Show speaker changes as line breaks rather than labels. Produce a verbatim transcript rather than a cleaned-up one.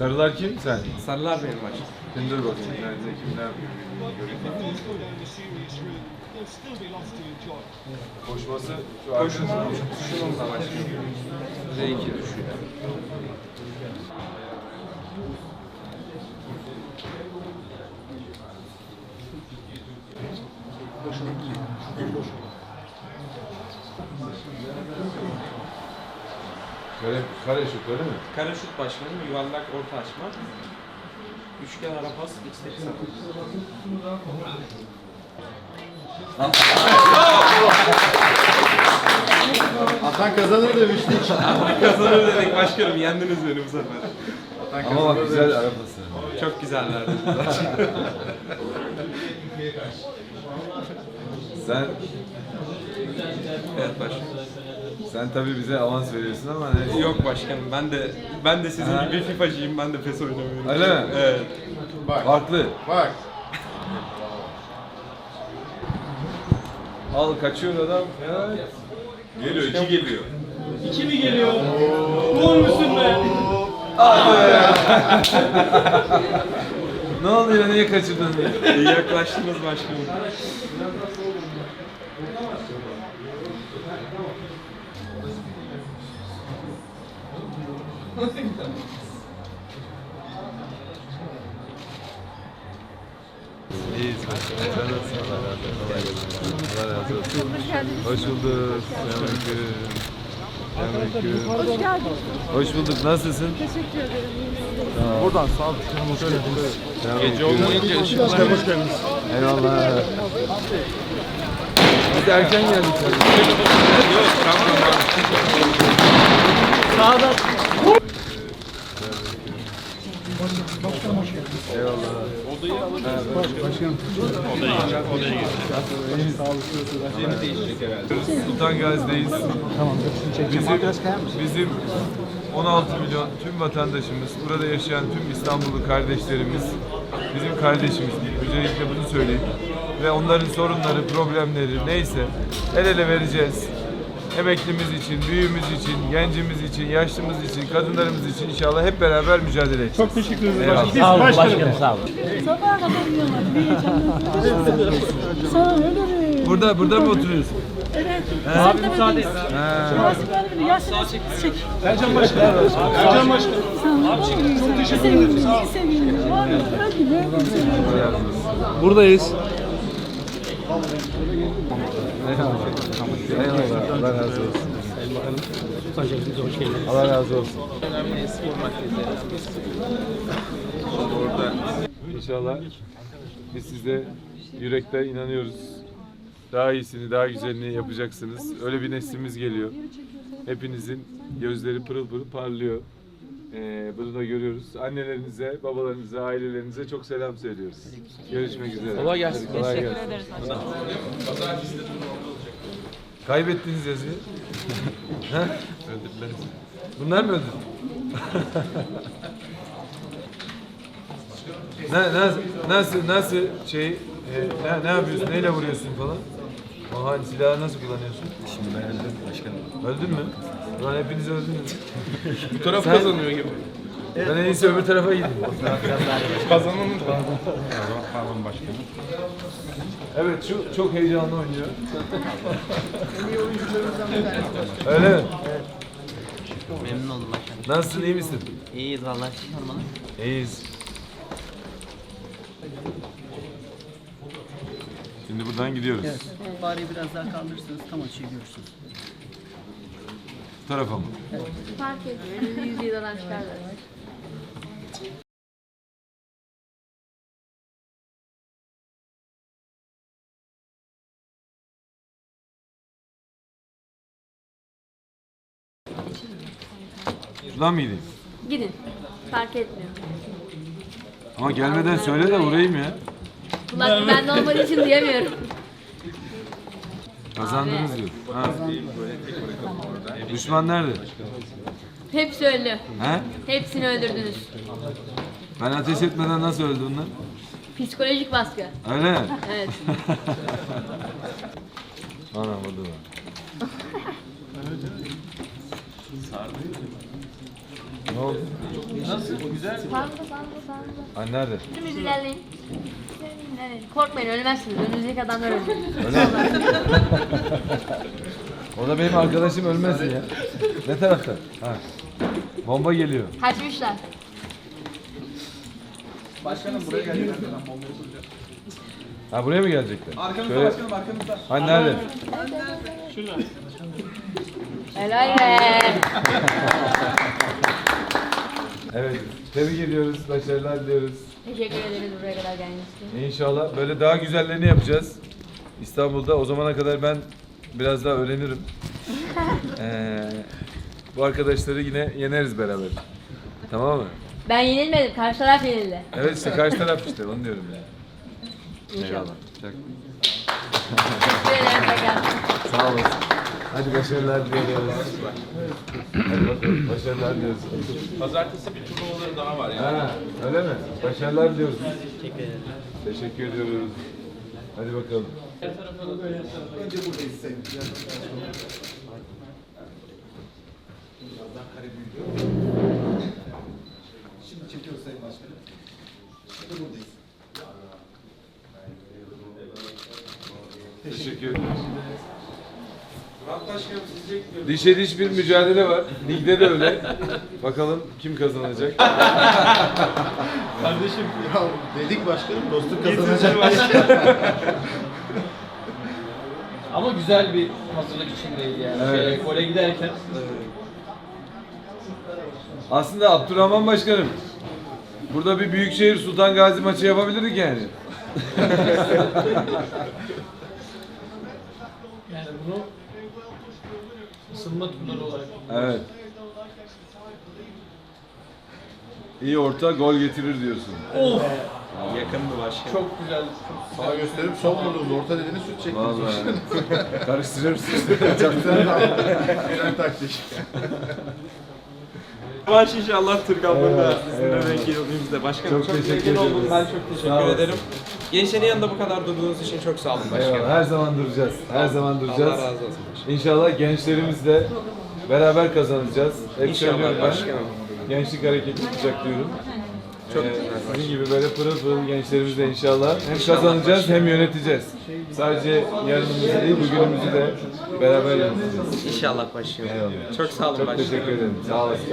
Sarılar kim? Sen.
Sarılar benim maç.
Sen dur bakayım. Nerede kim ne yapıyor? Koşması şu
Koşun.
arkasına.
Şununla başlıyor. R iki düşüyor.
Kare, kare şut öyle mi?
Kare şut başkanım, yuvarlak orta açma. Üçgen ara pas, X'teki sapı.
Atan kazanır demiştik.
Kazanır dedik başkanım, yendiniz beni bu sefer.
Ama bak güzel arabası.
Çok güzellerdi.
Sen
Evet başkanım.
sen tabii bize avans veriyorsun ama ne?
Yok başkanım, ben de ben de sizin
Ha.
gibi FIFA'cıyım, ben de PES oynamıyorum.
Öyle mi?
Evet.
Farklı.
Bak.
Al kaçıyor adam. Ya. Geliyor, iki geliyor.
İki mi geliyor? Gol müsün be?
Ne oluyor, niye kaçırdın?
İyi yaklaştınız başkanım.
İyiyiz. Sen nasılsın? Allah razı olsun. Hoş bulduk. Selamünaleyküm. Selamünaleyküm.
Hoş geldin.
Hoş bulduk. Nasılsın?
Teşekkür ederim.
Buradan sağ ol.
Gece olmayınca ışıklar...
Hoş geldiniz.
Eyvallah. Biz de erken geldik tabii.
Yok, tamam.
Sağda.
Eyvallah. Sultan Gazi'deyiz. Bizim, bizim on altı milyon tüm vatandaşımız, burada yaşayan tüm İstanbullu kardeşlerimiz, bizim kardeşimiz değil. Öncelikle bunu söyleyeyim. Ve onların sorunları, problemleri neyse el ele vereceğiz. Emeklimiz için, büyüğümüz için, gencimiz için, yaşlımız için, kadınlarımız için inşallah hep beraber mücadele edeceğiz.
Çok teşekkür ederiz
Eyvallah.
başkanım. Sağ olun başkanım.
Sabaha kadar yiyorlar. Bir heyecanla. Sana öyle.
Burada, burada mı oturuyorsun?
Evet. Abi müsaade et. Şurası böyle bir yaşlı çek.
Ercan başkanım. Ercan başkanım.
Abi çok teşekkür ederim. Sağ ol. Sevindim. Var ya. Hadi be.
Buradayız.
Eyvallah. Allah razı olsun. Allah razı olsun. İnşallah biz size yürekten inanıyoruz. Daha iyisini, daha güzelini yapacaksınız. Öyle bir neslimiz geliyor. Hepinizin gözleri pırıl pırıl parlıyor. Ee, bunu da görüyoruz. Annelerinize, babalarınıza, ailelerinize çok selam söylüyoruz. Görüşmek üzere. Kolay gelsin. Kolay gelsin. Kaybettiniz yazıyı. Ha? Öldürdüler. Bunlar mı öldürdü? ne, nasıl, nasıl, nasıl şey, e, ne, ne yapıyorsun, neyle vuruyorsun falan? Aha, silahı nasıl kullanıyorsun?
Şimdi ben öldüm başkanım.
Öldün mü? Ulan hepiniz öldünüz.
Bu taraf
Sen-
kazanıyor gibi.
Ben en iyisi öbür tarafa gideyim.
Kazananın
Pardon başkanım.
Evet, şu çok heyecanlı oynuyor. Öyle mi?
Memnun oldum başkanım.
Nasılsın, iyi misin?
İyiyiz vallahi siz sormalı.
İyiyiz. Şimdi buradan gidiyoruz.
Bari biraz daha kaldırırsanız tam açıyı görürsünüz.
Bu tarafa mı?
Fark etmiyor. Yüz yıldan çıkarlar.
Şuradan mı gideyim?
Gidin. Fark etmiyor.
Ama gelmeden söyle de vurayım ya.
Kulak bende olmadığı için diyemiyorum.
Kazandınız diyor. Ha. Düşman nerede?
Hepsi öldü.
He?
Hepsini öldürdünüz.
Ben ateş etmeden nasıl öldü onlar?
Psikolojik baskı.
Öyle mi?
Evet.
Anam orada da. Ne oldu?
Nasıl? Güzel.
Sandı sandı sandı.
Ha nerede?
Dümdüz ilerleyin. İlerleyin. Korkmayın ölmezsiniz. Önünüzdeki adamlar ölecek.
O da benim arkadaşım ölmesin ya. Ne tarafta? Ha. Bomba geliyor.
Kaçmışlar.
Başkanım buraya geldi.
Ha buraya mı gelecekler?
Arkamızda
Şöyle...
başkanım arkamızda.
Ha nerede?
Şurada.
Helal be.
Evet. Tebrik ediyoruz. Başarılar diliyoruz.
Teşekkür ederiz buraya kadar geldiğiniz için.
İnşallah böyle daha güzellerini yapacağız. İstanbul'da. O zamana kadar ben biraz daha öğrenirim. Ee, bu arkadaşları yine yeneriz beraber. Tamam mı?
Ben yenilmedim. Karşı taraf yenildi.
Evet işte karşı taraf işte onu diyorum yani.
İnşallah.
Çok-
Teşekkür ederim tekrar.
Sağ olasın. Hadi başarılar diliyoruz. Hadi bakalım başarılar diliyoruz.
Pazartesi bir turnuvaları daha var yani.
Ha, öyle mi? Başarılar diliyoruz.
Teşekkür ederim.
Teşekkür ediyoruz. Hadi bakalım. Teşekkür ederim.
Murat Başkanım sizi bekliyoruz.
Dişe diş bir mücadele var. Ligde de öyle. Bakalım kim kazanacak?
Kardeşim.
Ya dedik başkanım dostluk kazanacak.
Ama güzel bir hazırlık içindeydi yani.
Evet.
Şey, gole giderken.
Aslında Abdurrahman Başkanım, burada bir Büyükşehir Sultan Gazi maçı yapabilirdik yani.
Yani bunu ısınma turları olarak.
Evet. İyi orta gol getirir diyorsun.
Of!
Yakındı başkanım.
Çok güzel.
Sağ gösterip son vurduğunuz orta dediğini süt çektiniz.
Vallahi. Karıştırıyoruz.
Güzel taktik.
Baş inşallah Türkan Bey'le
Eyvallah,
sizinle
eyvallah.
denk yılımızda. Başkanım
Çok
çok,
teşekkür
memnun
ederiz.
oldum. Ben çok
Sağ
teşekkür
olasın.
ederim. Gençlerin yanında bu kadar durduğunuz için çok sağ olun başkanım.
Eyvallah. Her zaman duracağız. Her zaman duracağız.
Allah razı olsun başkanım.
İnşallah gençlerimizle beraber kazanacağız. Hep
İnşallah
söylüyorum ben.
başkanım.
Gençlik hareketi tutacak diyorum.
Çok
Ee,
güzel
Sizin gibi böyle pırıl pırıl gençlerimizle inşallah hem kazanacağız hem yöneteceğiz. Sadece yarınımızı değil bugünümüzü de beraber yöneteceğiz.
İnşallah başkanım.
Eyvallah.
Çok sağ olun
Çok
başkanım.
teşekkür ederim. Sağ olasın.